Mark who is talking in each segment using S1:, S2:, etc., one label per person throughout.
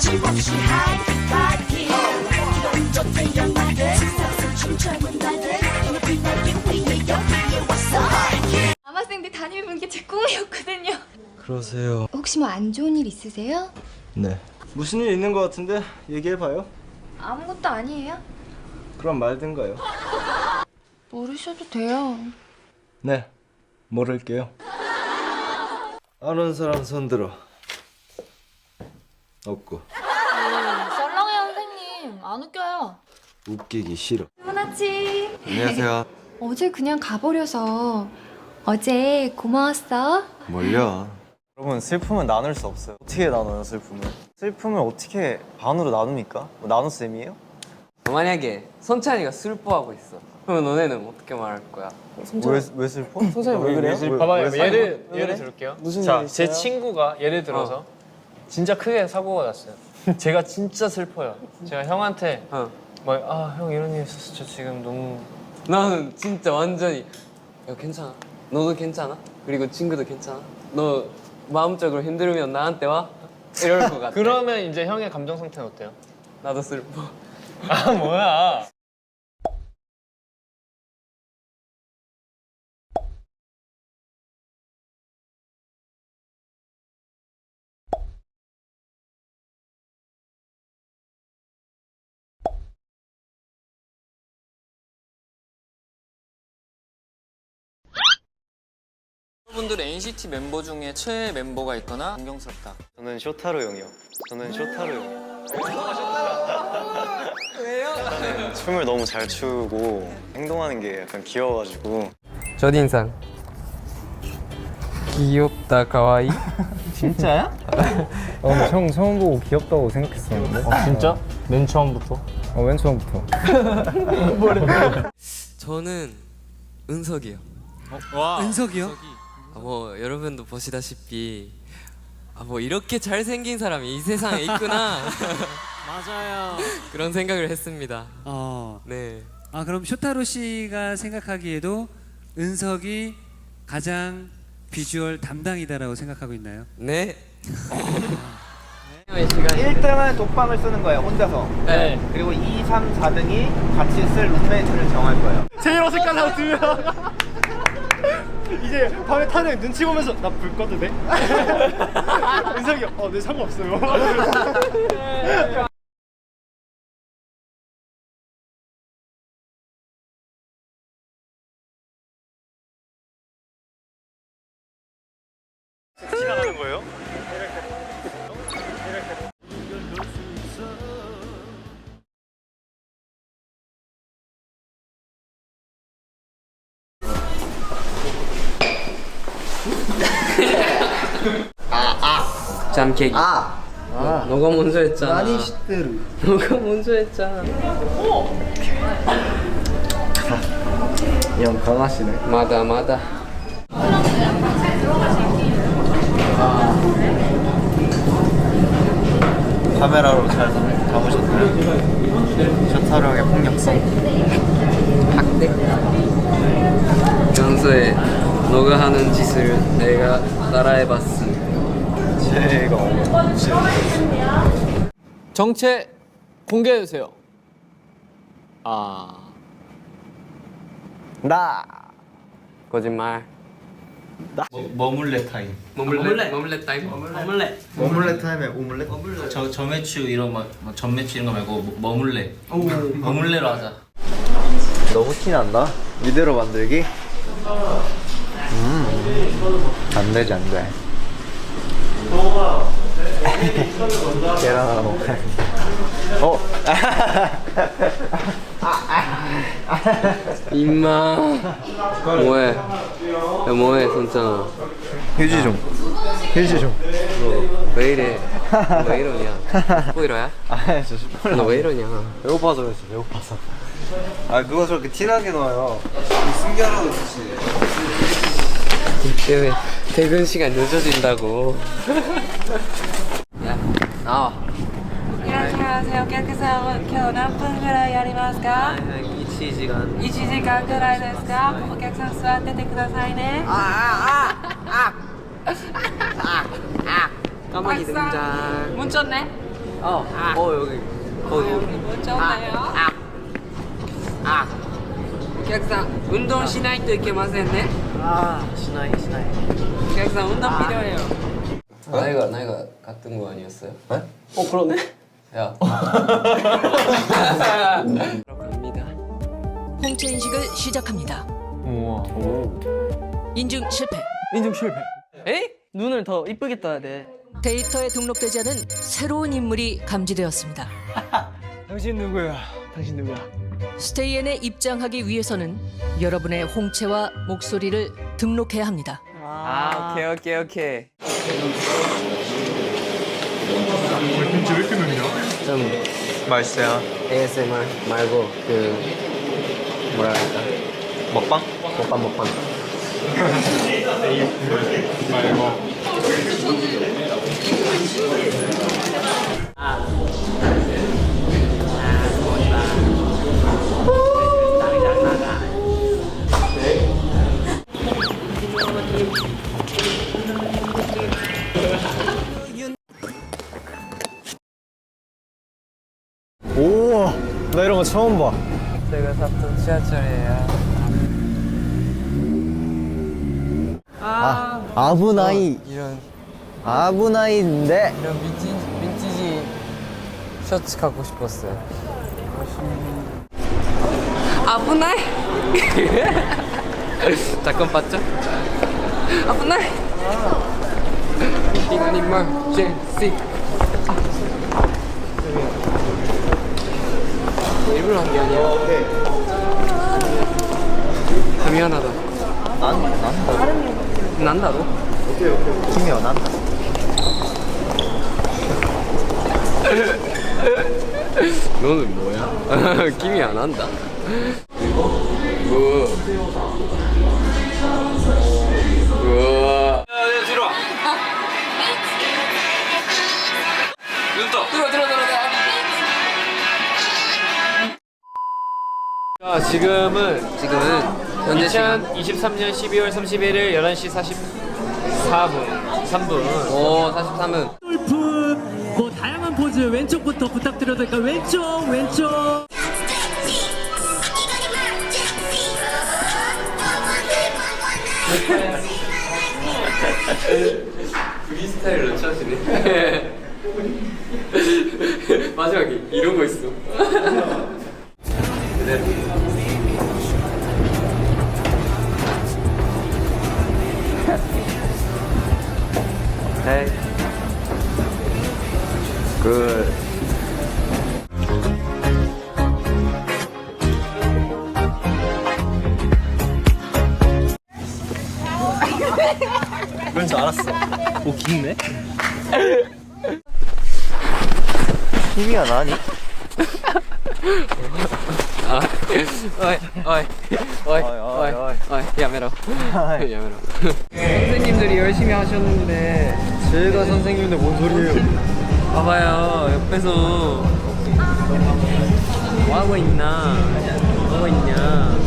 S1: 거침없이 하이파이팅 기도 운전된 날들 세상 춤추는 날들 눈이 날개 위에 여기에 왔어 하이킹
S2: 남학생들 담임해보는 게 제 꿈이었거든요.
S3: 그러세요.
S2: 혹시 뭐 안 좋은 일 있으세요?
S3: 네. 무슨 일 있는 것 같은데 얘기해봐요.
S2: 아무것도 아니에요.
S3: 그럼 말든가요.
S2: 모르셔도 돼요.
S3: 네, 모를게요. 아는 사람 손들어. 없고.
S4: 썰렁해요 선생님. 안 웃겨요.
S3: 웃기기 싫어.
S2: 훈아치.
S3: 안녕하세요.
S2: 어제 그냥 가버려서. 어제 고마웠어.
S3: 뭘요?
S5: 여러분 슬픔은 나눌 수 없어요. 어떻게 나눠요 슬픔을? 슬픔을 어떻게 반으로 나눕니까? 뭐 나눗셈이에요?
S6: 만약에 선찬이가 슬퍼하고 있어. 그러면 너네는 어떻게 말할 거야?
S5: 왜 슬퍼?
S6: 선찬이 왜 그래요?
S7: 봐봐요. 예를 들을게요.
S6: 무슨
S7: 자,
S6: 일
S7: 제
S6: 있어요?
S7: 친구가 예를 들어서 진짜 크게 사고가 났어요. 제가 진짜 슬퍼요. 제가 형한테 막 형 이런 일 있었어. 저 지금 너무
S6: 나는 진짜 완전히 야 괜찮아. 너도 괜찮아? 그리고 친구도 괜찮아? 너 마음적으로 힘들면 나한테 와? 이럴 것 같아.
S7: 그러면 이제 형의 감정 상태는 어때요?
S6: 나도 슬퍼.
S7: 아 뭐야?
S8: 여러분들 NCT 멤버 중에 최애 멤버가 있거나 존경스럽다.
S5: 저는 쇼타로 형이요. 저는 쇼타로 형.
S6: 왜요?
S5: 네, 춤을 너무 잘 추고 행동하는 게 약간 귀여워가지고.
S6: 첫인상 귀엽다 가와이.
S7: 진짜야?
S9: 형 처음 보고 귀엽다고 생각했었는데.
S7: 진짜? 맨 처음부터?
S9: 맨 처음부터.
S6: 저는 은석이요.
S8: 은석이요?
S6: 뭐 여러분도 보시다시피 뭐 이렇게 잘생긴 사람이 이 세상에 있구나.
S8: 맞아요.
S6: 그런 생각을 했습니다. 네.
S10: 아 그럼 쇼타로 씨가 생각하기에도 은석이 가장 비주얼 담당이다라고 생각하고 있나요?
S6: 네.
S11: 1등은 독방을 쓰는 거예요, 혼자서.
S7: 네.
S11: 그리고 2, 3, 4등이 같이 쓸 룸메이트를 정할 거예요.
S7: 제일 어색한 사람 두 명. 이제 밤에 타는 눈치 보면서 나 불 꺼도 돼? 은석이 네 상관없어요. 지나가는 거예요?
S6: 잠깨기. 너가 먼저 했잖아. 나니 시대로. 너가 먼저 했잖아.
S3: 형 강하시네.
S6: 마다.
S5: 카메라로 잘 담으셨나요? 쇼타로 형의 폭력성.
S6: 학대. 평소에 너가 하는 짓을 내가 따라해봤습니다.
S5: 제가
S8: 정체 공개해 주세요.
S5: 나
S6: 거짓말.
S11: 머물레 타임.
S6: 머물렛 타임.
S5: 머물레 타임에 오믈렛?
S11: 저매추 이런 전매추 이런 거 말고 머물레. 머물레로 하자.
S5: 너무 티난다. 이대로 만들기? 안 되지 안 돼. 계란 하나 먹어야
S6: 임마. 뭐해? 야 뭐해 손짱아.
S5: 휴지 좀.
S6: 너 왜 이래? 왜 이러냐? 스포이러야?
S5: 아 진짜 스포일.
S6: 너 왜 이러냐?
S5: 배고파서 그랬어. 배고파서. 아 누가 저렇게 티나게 넣어요? 숨겨라고 주시.
S6: 때문에 퇴근 시간 늦어진다고. 야 나와.
S2: 안녕하세요. 깨끗한今日何分ぐらいやりますか
S6: 1時間。
S2: 1時間ぐらいですかお客さん座っててくださいね
S6: 까마귀 등장.
S2: 문 쳤네
S6: 여기. 객상 운동しないといけませんね. 객상 운동 필요해요. 나이가 같은 거 아니었어요? 네? 그러네. 야. 갑니다.
S1: 홍채 인식을 시작합니다.
S7: 우와.
S1: 인증 실패.
S6: 에이? 눈을 더 이쁘게 떠야 돼.
S1: 데이터에 등록되지 않은 새로운 인물이 감지되었습니다.
S7: 당신 누구야?
S1: 스테이엔에 입장하기 위해서는 여러분의 홍채와 목소리를 등록해야 합니다.
S6: 오케이.
S9: 김치 왜 이렇게 맵냐?
S6: 좀
S5: 맛있어요.
S6: ASMR 말고 뭐라 할까?
S5: 먹방?
S6: 먹방.
S5: 우와, 나 이런 거 처음 봐.
S6: 제가 샀던 지하철이에요.
S5: 아부나이. 아부나이인데.
S6: 이런 민티지 셔츠 갖고 싶었어요. 아부나이. 잠깐 봤죠? 아부나이. 이건 제시. 일부러 한 게 아니야. 미안하다. 난다로?
S5: 김이야, 난다.
S6: 너는 뭐야? 김이 안 한다. 우와.
S8: 뒤로 와. 눈 떠.
S6: 들어. 자, 지금은 현재 시간
S7: 2023년 12월 31일 11시 44분 3분.
S6: 오 43분.
S10: 뭐 다양한 포즈 왼쪽부터 부탁드려도 될까요? 왼쪽.
S6: 프리스타일로 쳐지네. 마지막에 이런 거 있어.
S5: Hey. Good. 그런 줄 알았어. 오, 긴네? 힘이야, 나니?
S6: 어이, 야매로. 선생님들이 열심히 하셨는데
S5: 제가 선생님인데 뭔 소리예요?
S6: 봐봐요, 옆에서 뭐 하고 있나? 뭐 하고 있냐?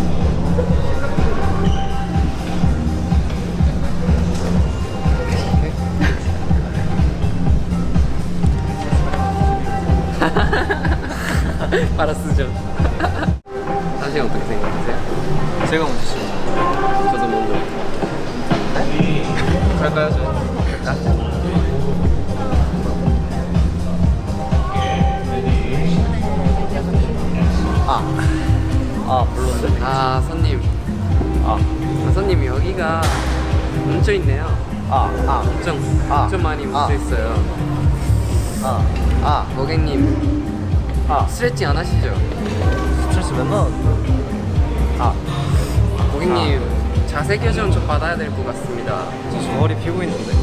S6: 파라스죠. 사실 어떻게 생각하세요?
S5: 제가 먼저 시
S6: 저도 먼저.
S5: 갈까요, 저? 물론데.
S6: 손님. 손님 여기가 뭉쳐 있네요. 엄청 많이 뭉쳐 있어요. 고객님. 스트레칭 안 하시죠?
S5: 스트레스 맨날.
S6: 고객님 자세 교정 좀 받아야 될 것 같습니다.
S5: 저 머리 피고 있는데.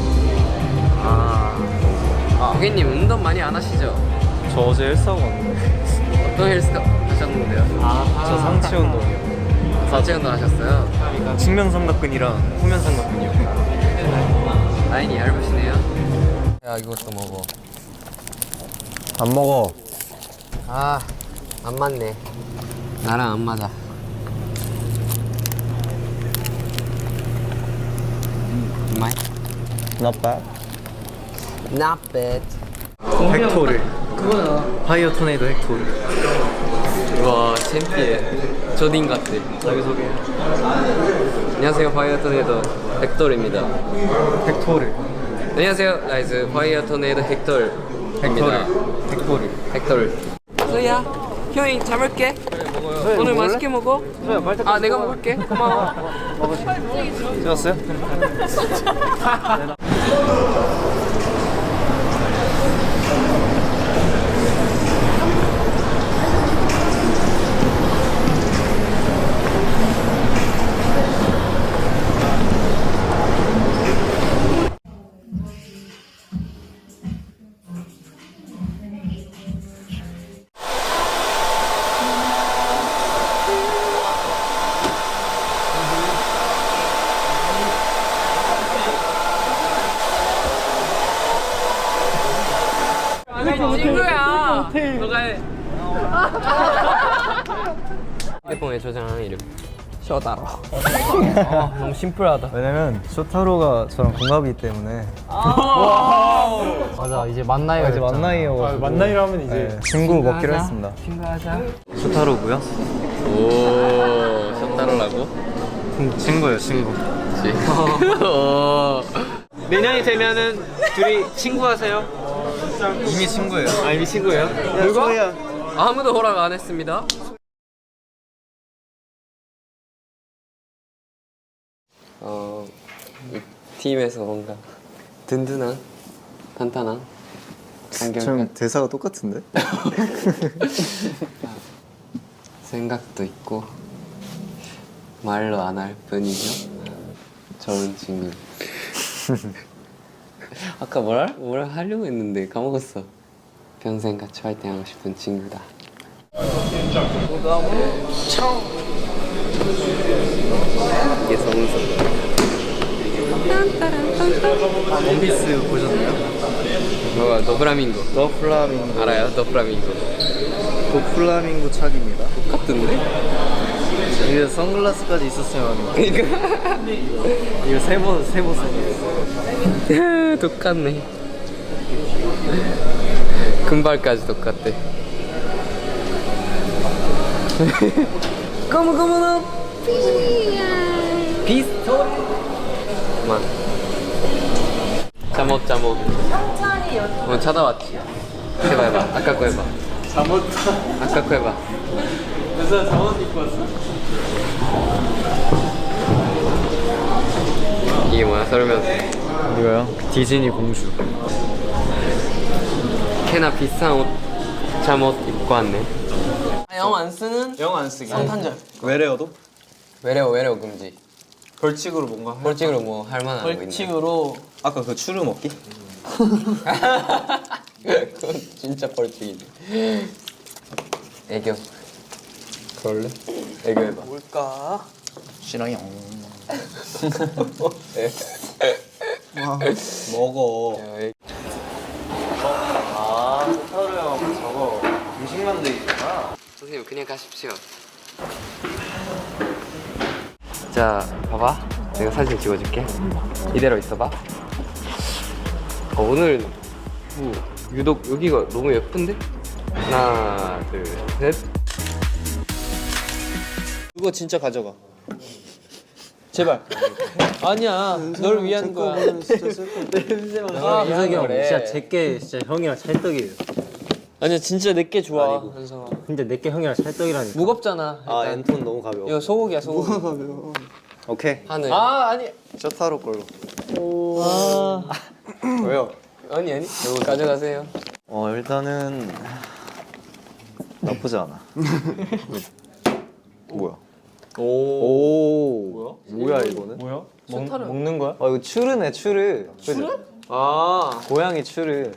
S6: 고객님 운동 많이 안 하시죠?
S5: 저 어제 헬스하고 왔는데.
S6: 어떤 헬스 하셨는데요?
S5: 저 상체 운동이요.
S6: 상체 운동 하셨어요?
S5: 측면 삼각근이랑 후면 삼각근이요.
S6: 라인이 얇으시네요. 야 이것도 먹어.
S5: 안 먹어.
S6: 안 맞네. 나랑 안 맞아.
S5: Not bad.
S6: Not bad.
S5: 벡터를 파이어 토네이도 헥토르.
S6: 와 챔피언 조딘 같아.
S5: 자기소개.
S6: 안녕하세요 파이어 토네이도 헥토르입니다.
S5: 헥토르.
S6: 안녕하세요 나이스 파이어 토네이도 헥토르입니다. 헥토르. 소희야 형이 잡을게. 오늘 맛있게 먹어. 아 내가 먹을게. 고마워.
S5: 찍었어요?
S6: 친구야. 너가 해. 핸드폰에 저장하는 이름. 쇼타로. 너무 심플하다.
S5: 왜냐면 쇼타로가 저랑 동갑이기 때문에.
S7: 맞아 이제 만나이가
S5: 이제 만나이여가지고.
S9: 만나이라 하면 이제
S5: 친구 먹기로 했습니다.
S6: 친구하자.
S5: 쇼타로고요.
S6: 오 쇼타로라고?
S5: 친구예요, 친구.
S6: 내년이 되면은 둘이 친구하세요?
S5: 이미 친구예요.
S6: 아 이미 친구예요? 누가? 아무도 허락 안 했습니다. 이 팀에서 뭔가 든든한, 탄탄한
S5: 좀 대사가 똑같은데?
S6: 생각도 있고 말로 안 할 뿐이죠. 좋은 친구. 아까 뭐라 하려고 했는데 까먹었어. 평생 같이 화이팅하고 싶은 친구다. 이게 성우석.
S5: 원피스 보셨나요?
S6: 뭐가 더플라밍고.
S5: 더플라밍고.
S6: 알아요? 더플라밍고.
S5: 더플라밍고 착입니다.
S6: 같은데?
S5: 이게 선글라스까지 있었으면 이거 세번 썼어.
S6: 똑같네. 금발까지 똑같대. 고무고무노 비스토. 그만. 잠옷. 찾아왔지. 해봐. 아까 거 해봐. 아까 거 해봐.
S5: 그래서 잠옷 입고 왔어.
S6: 이게 뭐야? 설명서.
S5: 이거요? 디즈니 공주.
S6: 꽤나 비싼 옷 잠옷 입고 왔네.
S7: 영 안 쓰는?
S5: 영 안 쓰기.
S7: 성탄절.
S5: 외래어도?
S6: 외래어 금지.
S5: 벌칙으로 뭔가 할
S6: 벌칙으로 뭐 할 만한 거 있나?
S7: 벌칙으로
S5: 아까 그 추루 먹기?
S6: 그건 진짜 벌칙이지. 애교. 그럴래? 애교 해봐.
S5: 뭘까? 싫어요. 먹어. 타로 형 저거 음식 만들기구나.
S6: 선생님 그냥 가십시오. 자, 봐봐. 내가 사진 찍어줄게. 이대로 있어봐. 오늘 뭐 유독 여기가 너무 예쁜데? 하나, 둘, 셋.
S7: 이거 진짜 가져가. 제발. 아니야. 널 위한 거야.
S9: 아, 이석이 형 진짜 제게 진짜 형이랑 찰떡이에요.
S7: 아니야 진짜 내게 좋아. 현성아.
S9: 근데 내게 형이랑 찰떡이라니까.
S7: 무겁잖아.
S5: 아 엔톤 너무 가벼워.
S7: 이거 소고기야 소고기.
S5: 오케이.
S6: 하늘.
S7: 아니.
S5: 쇼타로 걸로.
S6: 왜요? 아니. 이거 가져가세요.
S5: 일단은 나쁘지 않아. 뭐야? 오. 뭐야 이거는?
S7: 뭐야? 먹는 거야?
S5: 이거 추르네 추르. 추르?
S7: 아.
S5: 고양이 추르.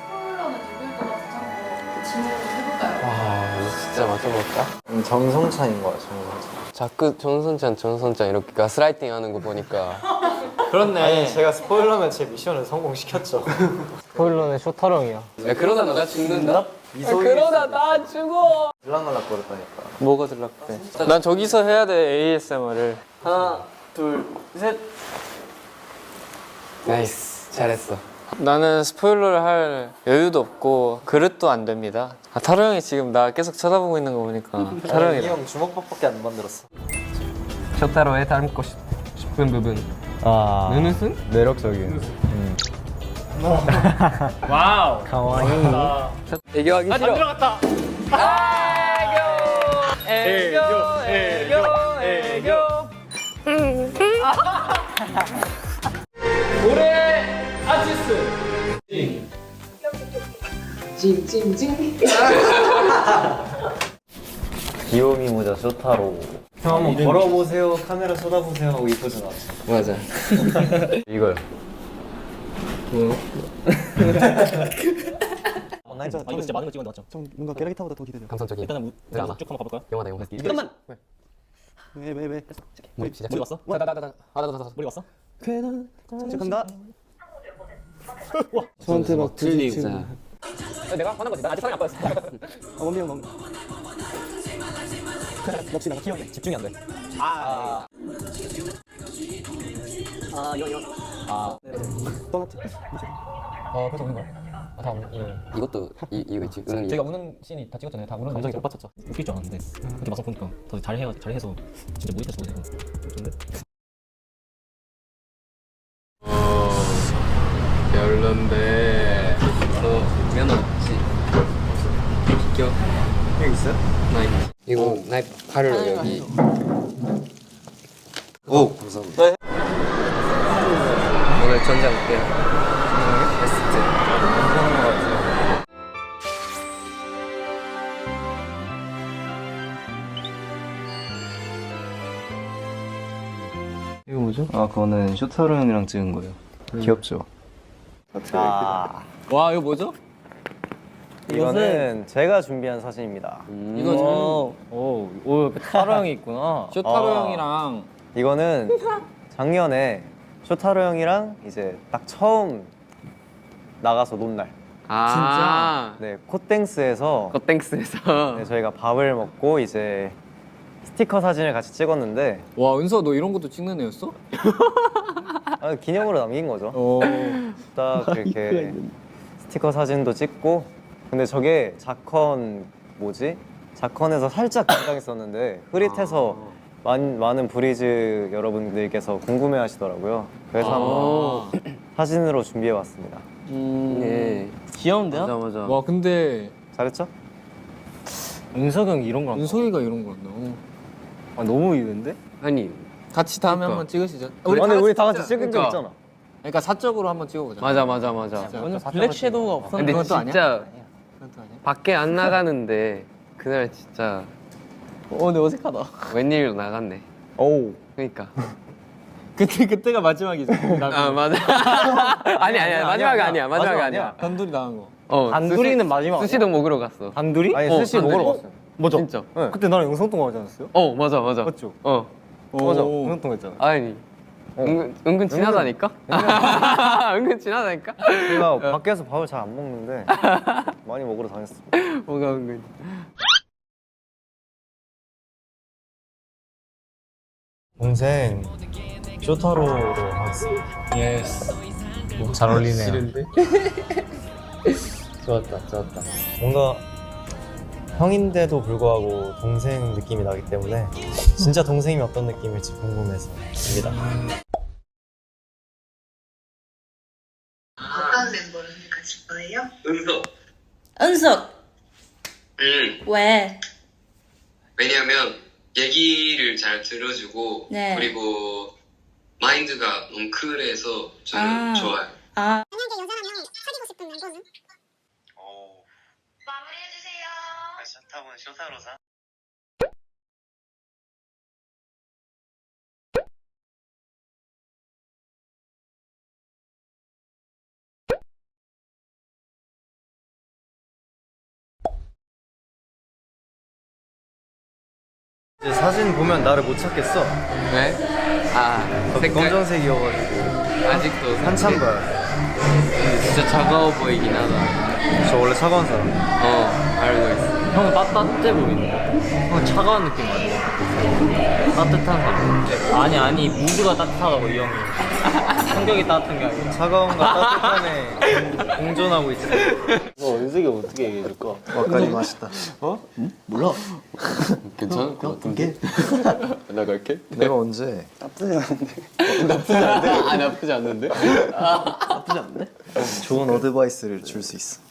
S6: 진짜 맞춰볼까?
S5: 정성찬인 거야 정성찬.
S6: 자꾸 정선찬 이렇게 가스라이팅 하는 거 보니까
S7: 그렇네.
S5: 아니 제가 스포일러면 제 미션을 성공시켰죠.
S9: 스포일러는 쇼타롱이야.
S6: 야 그러다 나 죽는다? 그러다 나 죽어.
S5: 들락날락 거렸다니까.
S7: 뭐가 들락대? 난 저기서 해야 돼 ASMR을. 하나, 둘, 셋.
S6: 나이스 잘했어.
S8: 나는 스포일러를 할 여유도 없고 그릇도 안 됩니다. 타로 형이 지금 나 계속 쳐다보고 있는 거 보니까 타로 형이
S5: 형 주먹밥밖에 안 만들었어.
S6: 쇼타로의 닮고 싶은 부분. 눈웃음?
S5: 매력적인.
S7: 와우.
S6: 애교하기 싫어.
S7: 들어갔다. 애교. 올해 아티스트.
S5: 귀요미 모자 쇼타로. 형 한번 걸어보세요. 카메라 쏟아보세요. 하고 이쁘진 않았어.
S6: 맞아.
S5: 이거요.
S9: 이거 진짜 많은 거 찍었는데 맞죠?
S3: 좀 뭔가 게라기타보다 더 기대돼요.
S6: 감성적인.
S9: 일단은
S6: 드라마.
S9: 쭉 한번 가볼까요?
S6: 영화다 영화.
S9: 잠깐만.
S3: 왜?
S6: 머리 시작.
S9: 머리 왔어? 머리 왔어?
S3: 시작한다.
S6: 저한테 막 들리고.
S9: 내가 화난 거지. 나 아직 사랑이 안 빠졌어.
S3: 원빈 형 너무.
S9: 역시 내가 키웠네. 집중이 안 돼.
S3: 떠났지.
S9: 그래서 우는 거야? 다 우는.
S6: 이것도 이거 있지. 은은이.
S9: 제가 우는 씬이 다 찍었잖아요. 다 우는 감정이 못 받쳤죠. 웃길 줄 알았는데 그때 막상 보니까 더 잘해서 진짜 몰입해서 보고 좋은데.
S6: 별론데. 너 면허 없지? 비켜.
S5: 형 있어요?
S6: 나 있지. 이거 나 팔을 여기.
S5: 오 감사합니다.
S6: 오늘 전장 어때요? 베스트.
S3: 이거 뭐죠? 그거는 쇼타로 형이랑 찍은 거예요. 귀엽죠?
S6: 와 이거 뭐죠?
S5: 이거는 제가 준비한 사진입니다.
S6: 이거
S7: 오, 타로 형이 있구나.
S8: 쇼타로 형이랑
S5: 이거는 작년에 쇼타로 형이랑 이제 딱 처음 나가서 논 날.
S6: 진짜?
S5: 네, 콧땡스에서
S6: 겉땡스에서.
S5: 네, 저희가 밥을 먹고 이제 스티커 사진을 같이 찍었는데
S8: 와 은서 너 이런 것도 찍는 애였어?
S5: 기념으로 남긴 거죠. 딱 이렇게 스티커 사진도 찍고 근데 저게 자컨에서 살짝 긴장했었는데 흐릿해서 많은 브리즈 여러분들께서 궁금해하시더라고요. 그래서 한번 사진으로 준비해봤습니다.
S6: 예.
S7: 귀여운데요?
S6: 맞아.
S8: 와 근데
S5: 잘했죠?
S7: 은석이 형 이런 거.
S8: 은석이가 이런 거 한다.
S7: 너무 이쁜데?
S6: 아니
S8: 같이 다음에 한번 찍으시죠.
S5: 우리 다 같이 찍은 적
S6: 그러니까.
S5: 있잖아.
S8: 그러니까 사적으로 한번 찍어보자.
S6: 맞아.
S7: 완전 블랙 섀도우가 없었는데.
S6: 근데
S8: 그건 또 아니야?
S6: 진짜
S8: 그것도 아니야?
S6: 밖에 안 나가는데 그날 진짜
S7: 근데 어색하다.
S6: 웬일로 나갔네.
S5: 오.
S6: 그러니까.
S8: 그때가 마지막이죠.
S6: 아 맞아. 아니 마지막이 아니야. 마지막이 아니야.
S8: 단둘이 나간 거.
S7: 단둘이는 마지막.
S6: 스시도 먹으러 갔어.
S7: 단둘이?
S5: 아니 스시
S6: 단둘이.
S5: 먹으러 갔어요.
S7: 맞아.
S6: 진짜.
S7: 그때 나랑 영상 통화하지 않았어요?
S6: 맞아.
S7: 맞죠?
S6: 맞아.
S7: 영상 통화했잖아.
S6: 아니. 은근 친하다니까? 은근 친하다니까?
S5: 제가 밖에서 밥을 잘 안 먹는데 많이 먹으러 다녔습니다.
S6: 뭐가 은근.
S5: 동생 쇼타로로 하겠습니다.
S7: 예스. 잘 어울리네요.
S6: 싫은데? 좋았다.
S5: 뭔가 형인데도 불구하고 동생 느낌이 나기 때문에 진짜 동생이 어떤 느낌일지 궁금해서입니다.
S1: 어떤 멤버를 가실 거예요?
S11: 은서.
S1: 은석.
S11: 응.
S1: 왜?
S11: 왜냐면 얘기를 잘 들어주고
S1: 네.
S11: 그리고 마인드가 너무 쿨해서 저는 좋아요.
S1: 아.
S12: 만약에 여자라면 사귀고 싶은 멤버는?
S1: 마무리해주세요.
S5: 쇼타분 쇼타로사. 이제 사진 보면 나를 못 찾겠어.
S6: 왜? 색깔
S5: 검정색이어가지고
S6: 아직도
S5: 한참 봐요.
S6: 진짜 차가워 보이긴 하다.
S5: 저 원래 차가운 사람.
S6: 알고 있어.
S7: 형은 따뜻해 보이는데. 형 차가운 느낌 아니야? 따뜻한 거. 아니 무드가 따뜻하다고 이 형이. 성격이 따뜻한 게 아니라.
S5: 차가움과 따뜻함에 공존하고 있어.
S8: 은석이 어떻게 얘기해줄까?
S5: 와카리 마시다.
S3: 몰라.
S6: 괜찮을 것 같은데. 나갈게.
S5: 내가 언제?
S3: 나쁘지 않은데.
S6: 아 나쁘지 않는데?
S3: 나쁘지 않은데?
S5: 좋은 어드바이스를 줄 수 있어.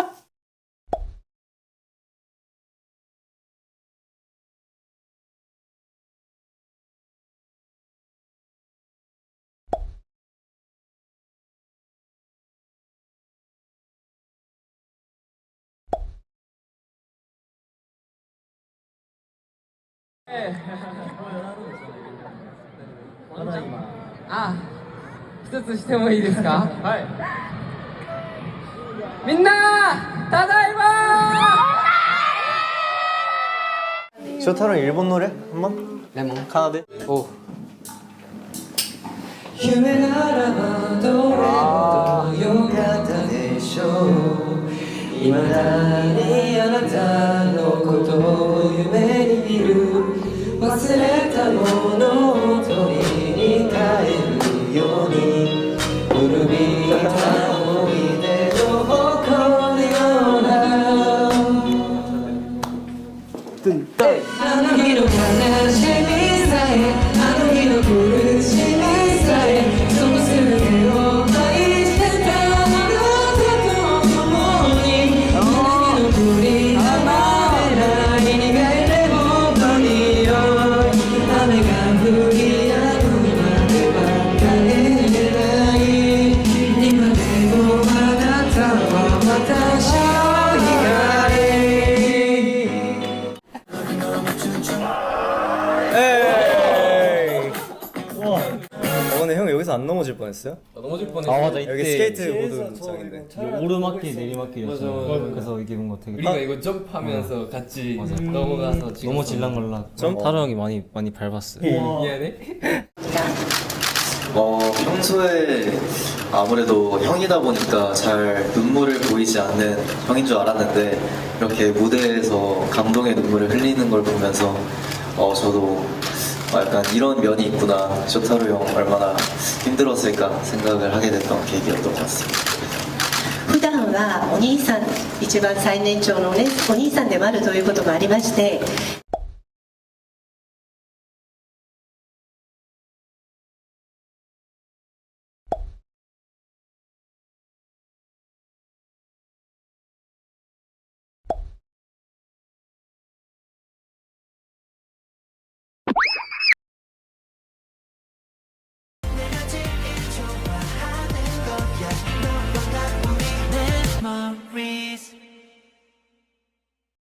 S6: 아, 一つしてもいいですか？はい。みんな、ただいま。
S5: 쇼타로 일본 노래 한 번?
S6: 레몬.
S5: 카나데?
S6: 오.
S10: 夢ならばどれほど良かったでしょう未だにあなたのことを夢に見る忘れたものを取りに帰るように古びた思い出の誇るようなあの日の悲しみさえあの日の苦しみさえその全てを愛してたあなたと共に南の栗浜辺らに苦いレモンの匂い雨が降り止むまでは帰れない今でもあなたは私の光
S5: 근데 형 여기서 안 넘어질 뻔했어요?
S6: 넘어질 뻔했어.
S9: 아 맞아 이때
S5: 여기 스케이트보드 장인데
S9: 오르막길 내리막길이었어. 그래서 이게 뭔가 되게
S6: 우리가 이거 점프하면서 같이 넘어가서 찍었어.
S9: 너무 질랑말랑. 타로 형이 많이 밟았어요.
S6: 미안해.
S13: 평소에 아무래도 형이다 보니까 잘 눈물을 보이지 않는 형인 줄 알았는데 이렇게 무대에서 감동의 눈물을 흘리는 걸 보면서 저도 약간 이런 면이 있구나. 쇼타로 형 얼마나 힘들었을까 생각을 하게 됐던 계기였던 것 같습니다.
S14: 普段はお兄さん一番最年長のねお兄さんでもあるということもありまして
S10: Memories